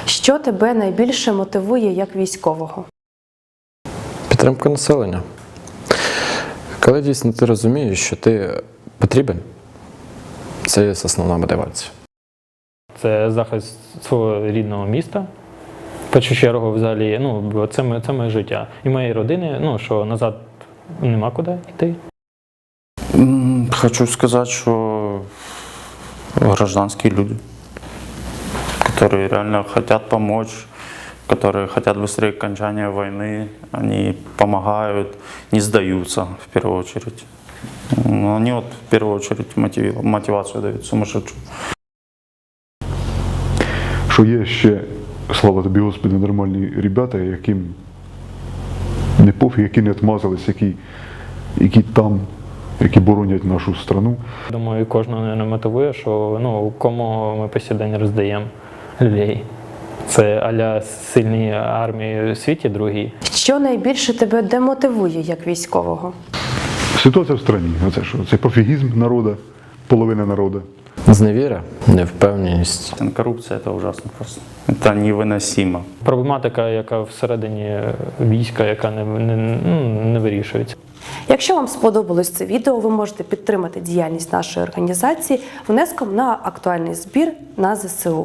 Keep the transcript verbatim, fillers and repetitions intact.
Що тебе найбільше мотивує як військового? Підтримка населення. Коли дійсно ти розумієш, що ти потрібен, це є основна мотивація. Це захист свого рідного міста. В першу чергу, взагалі, ну, це, моє, це моє життя. І моєї родини, ну, що назад нема куди йти. Хочу сказать, что гражданские люди, которые реально хотят помочь, которые хотят быстрее окончания войны, они помогают, не сдаются в первую очередь. Но они вот в первую очередь мотив, мотивацию дают сумасшедшую. Що є ще, слава тобі, Господи, нормальні ребята, яким не пофіг, які не отмазались, які, які там, які боронять нашу страну. Думаю, кожного не мотивує, що ну, кому ми по сей день роздаємо людей. Це а-ля сильні армії у світі другі. Що найбільше тебе демотивує як військового? Ситуація в страні, оце що? Це пофігізм народу, половина народу. Зневіра, невпевненість. Коррупция – это ужасно просто. Это невыносимо. Проблематика, яка всередині війська, яка не, не, ну, не вирішується. Якщо вам сподобалось це відео, ви можете підтримати діяльність нашої організації внеском на актуальний збір на зе се у.